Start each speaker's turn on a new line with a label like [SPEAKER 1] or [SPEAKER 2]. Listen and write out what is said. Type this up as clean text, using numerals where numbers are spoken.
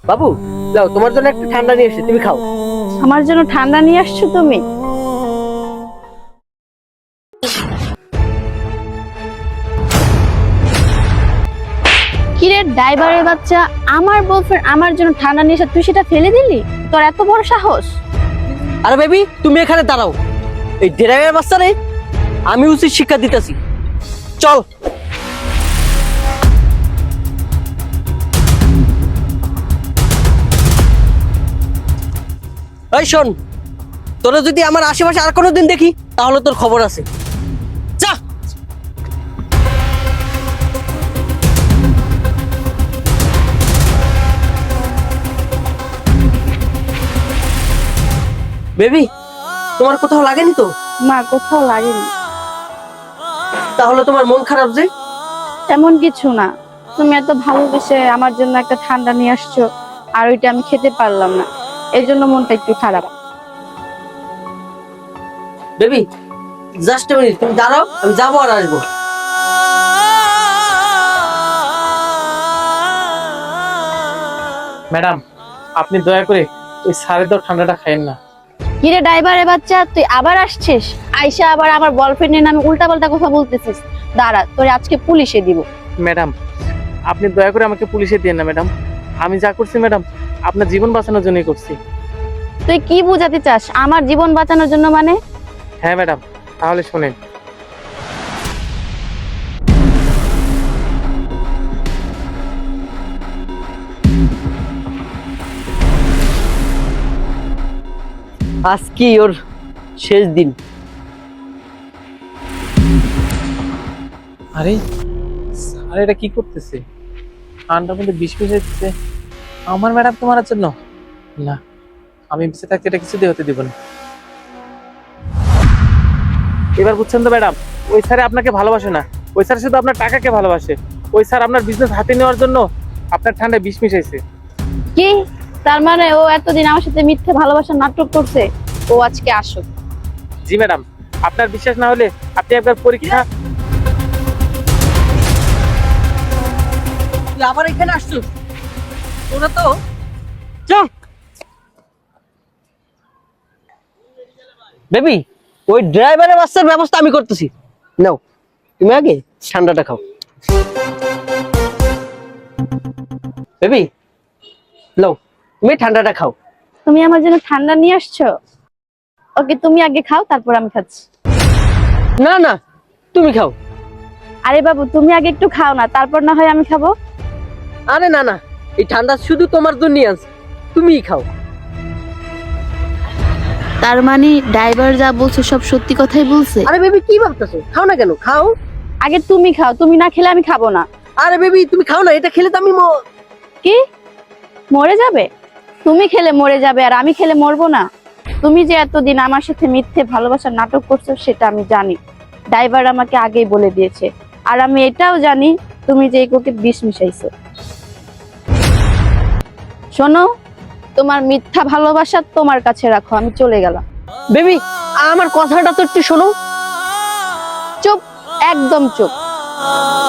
[SPEAKER 1] বাবু, যাও, তোমার জন্য একটা ঠান্ডা নিয়ে এসেছি, তুমি খাও।
[SPEAKER 2] আমার জন্য ঠান্ডা নিয়ে আসছো তুমি? কিরে ড্রাইভারের বাচ্চা, আমার বয়ফ্রেন্ড আমার জন্য ঠান্ডা নিয়ে এসে তুই সেটা ফেলে দিলি? তোর এত বড় সাহস!
[SPEAKER 1] আরে বেবি, তুমি এখানে দাঁড়াও। এই ড্রাইভারের বাচ্চা রে আমি উচিত শিক্ষা দিতেছি। চল। এই শোন, তোরা যদি আমার আশেপাশে আর কোনোদিন দেখি তাহলে তোর খবর আছে। যা। বেবি, তোমার কোথাও লাগেনি তো?
[SPEAKER 2] না, কোথাও লাগেনি।
[SPEAKER 1] তাহলে তোমার মন খারাপ যে?
[SPEAKER 2] তেমন কিছু না, তুমি এত ভালোবেসে আমার জন্য একটা ঠান্ডা নিয়ে আসছো আর ওইটা আমি খেতে পারলাম না, এই জন্য মনটা একটু খারাপ।
[SPEAKER 1] বেবি, জাস্ট এ মিনিট, তুমি দাঁড়াও, আমি যাবো আর আসবো।
[SPEAKER 3] ম্যাডাম, আপনি দয়া করে ওই সাড়ে দাও ঠান্ডাটা খাইয়েন না।
[SPEAKER 2] কিরে ড্রাইভারের বাচ্চা, তুই আবার আসছিস? আইসা আবার আমার বয়ফ্রেন্ডের নামে উল্টাপাল্টা কথা বলতেছিস। দাঁড়া, তোরে আজকে পুলিশে দিব।
[SPEAKER 3] ম্যাডাম, আপনি দয়া করে আমাকে পুলিশে দিন না ম্যাডাম। আমি যা করছি ম্যাডাম আপনার জীবন বাঁচানোর জন্যই করছি।
[SPEAKER 2] তুই কি বুঝাতে চাস আমার জীবন বাঁচানোর জন্য মানে?
[SPEAKER 3] হ্যাঁ ম্যাডাম, তাহলে শোনেন।
[SPEAKER 1] আজকে ওর শেষ দিন।
[SPEAKER 3] আরে আরে, এটা কি করতেছে? ঠান্ডার মধ্যে বিষ মিশাইতেছে আমার ম্যাডাম তোমার জন্য। না, আমি বেঁচে থাকতে এটা কিছুতেই হতে দিব না। এবার বুঝছেন তো ম্যাডাম, ওই স্যার আপনাকে ভালোবাসে না, ওই স্যার শুধু আপনার টাকাকে ভালোবাসে। ওই স্যার আপনার বিজনেস হাতে নেওয়ার জন্য আপনার ঠান্ডায় বিষ মিশাইছে।
[SPEAKER 2] কি তার মানে ও এতদিন আমার সাথে মিথ্যে ভালোবাসার নাটক করছে? ও আজকে আসুক।
[SPEAKER 3] জি ম্যাডাম, আপনার বিশ্বাস না হলে আপনি একবার পরীক্ষা।
[SPEAKER 1] তুই আবার এখানে আসছো? তোরা তো চল। বেবি, ওই ড্রাইভারের বাচ্চার ব্যবস্থা আমি করতেছি। নাও, তুমি আগে ঠান্ডাটা খাও। বেবি, নাও, তুমি ঠান্ডাটা খাও।
[SPEAKER 2] তুমি আমার জন্য ঠান্ডা নিয়ে আসছো? ওকে, তুমি আগে খাও, তারপর আমি খাচ্ছি।
[SPEAKER 1] না না, তুমি খাও।
[SPEAKER 2] আরে বাবু, তুমি আগে একটু খাও না, তারপর না হয় আমি খাবো।
[SPEAKER 1] আরে না না, এই ঠান্ডা শুধু তোমার জন্যই আছে, তুমিই খাও।
[SPEAKER 2] তার মানে ড্রাইভার যা বলছে সব সত্যি কথাই বলছে?
[SPEAKER 1] আরে বেবি, কি ভাবতেছো? খাও না কেন, খাও।
[SPEAKER 2] আগে তুমি খাও, তুমি না খেলে আমি খাবো না।
[SPEAKER 1] আরে বেবি, তুমি খাও না, এটা খেলে তো আমি
[SPEAKER 2] কি মরে যাবে? তুমি খেলে মরে যাবে আর আমি খেলে মরবো না? তুমি যে এতদিন আমার সাথে মিথ্যে ভালোবাসার নাটক করছো সেটা আমি জানি, ড্রাইভার আমাকে আগেই বলে দিয়েছে। আর আমি এটাও জানি তুমি যে এই কোকে বিষ মিশাইছো। শোনো, তোমার মিথ্যা ভালোবাসা তোমার কাছে রাখো, আমি চলে গেলাম।
[SPEAKER 1] বেবি, আমার কথাটা তো একটু শোনো।
[SPEAKER 2] চুপ, একদম চুপ।